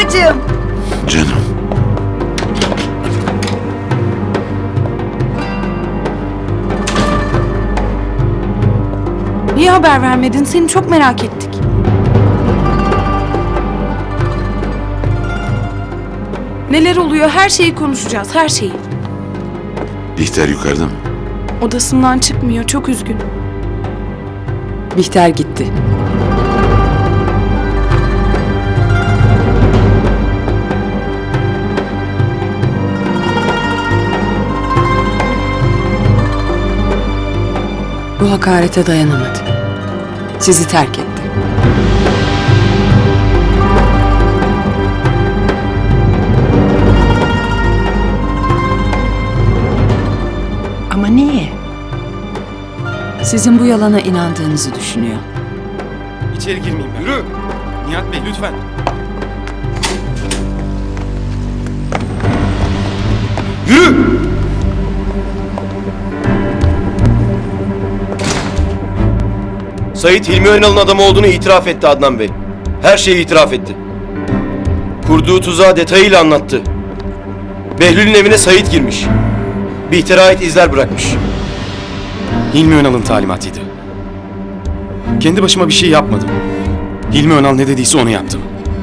babacığım. Canım. Niye haber vermedin? Seni çok merak ettik. Neler oluyor? Her şeyi konuşacağız, her şeyi. Bihter yukarıda mı? Odasından çıkmıyor, çok üzgün. Bihter gitti. Bu hakarete dayanamadı. Sizi terk etti. Ama niye? Sizin bu yalana inandığınızı düşünüyor. İçeri girmeyeyim ben. Yürü! Nihat Bey lütfen. Yürü! Sait Hilmi Önal'ın adamı olduğunu itiraf etti Adnan Bey. Her şeyi itiraf etti. Kurduğu tuzağı detayıyla anlattı. Behlül'ün evine Sait girmiş. Bihter'e ait izler bırakmış. Hilmi Önal'ın talimatıydı. Kendi başıma bir şey yapmadım. Hilmi Önal ne dediyse onu yaptım.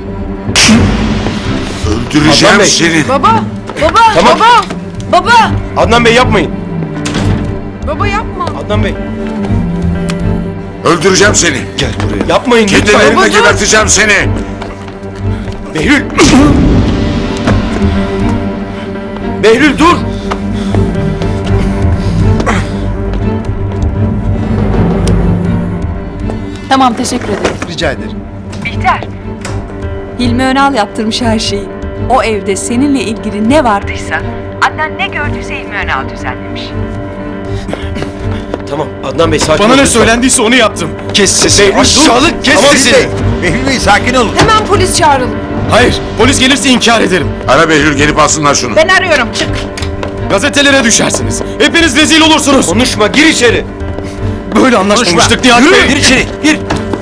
Öldüreceğim Adnan Bey. seni. Baba! Baba! Tamam. Baba! Baba! Adnan Bey yapmayın. Baba yapma! Adnan Bey Öldüreceğim seni. Gel buraya. yapmayın Kendi lütfen. ellerimle geberteceğim seni. Behlül! Behlül dur! Tamam, teşekkür ederim. Rica ederim. Bihter. Hilmi Önal yaptırmış her şeyi. O evde seninle ilgili ne vardıysa, Adnan ne gördüyse Hilmi Önal düzenlemiş. Tamam Adnan Bey sakin Bana olun ne lütfen. söylendiyse onu yaptım. Kes sesini. Behlül, Aşağılık kes Tamam, sesini. Behlül Bey sakin olun. Hemen polis çağıralım. Hayır, polis gelirse inkar ederim. Ara Behlül gelip alsınlar şunu. Ben arıyorum, çık. Gazetelere düşersiniz. Hepiniz rezil olursunuz. Konuşma gir içeri. Böyle anlaşmamıştık Nihat Bey. Gir içeri gir.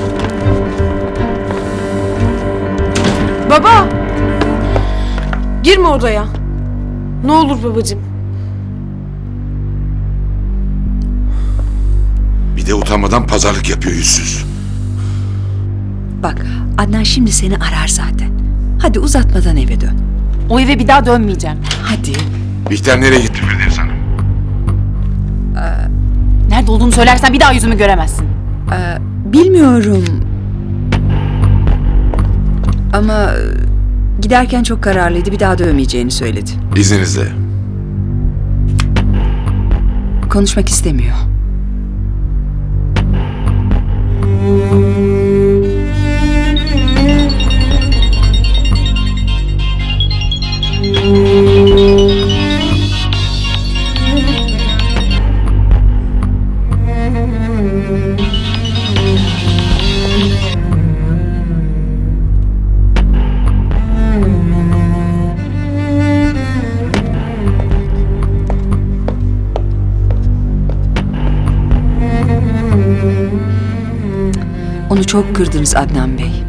Baba! Girme odaya. Ne olur babacığım. Bir de utanmadan pazarlık yapıyor yüzsüz. Bak, Adnan şimdi seni arar zaten. Hadi uzatmadan eve dön. O eve bir daha dönmeyeceğim. Hadi. Bihter nereye gitti Firdevs Hanım? Nerede olduğunu söylersen bir daha yüzümü göremezsin. Bilmiyorum. Ama giderken çok kararlıydı. Bir daha dövmeyeceğini söyledi. İzninizle. Konuşmak istemiyor. Onu çok kırdınız Adnan Bey.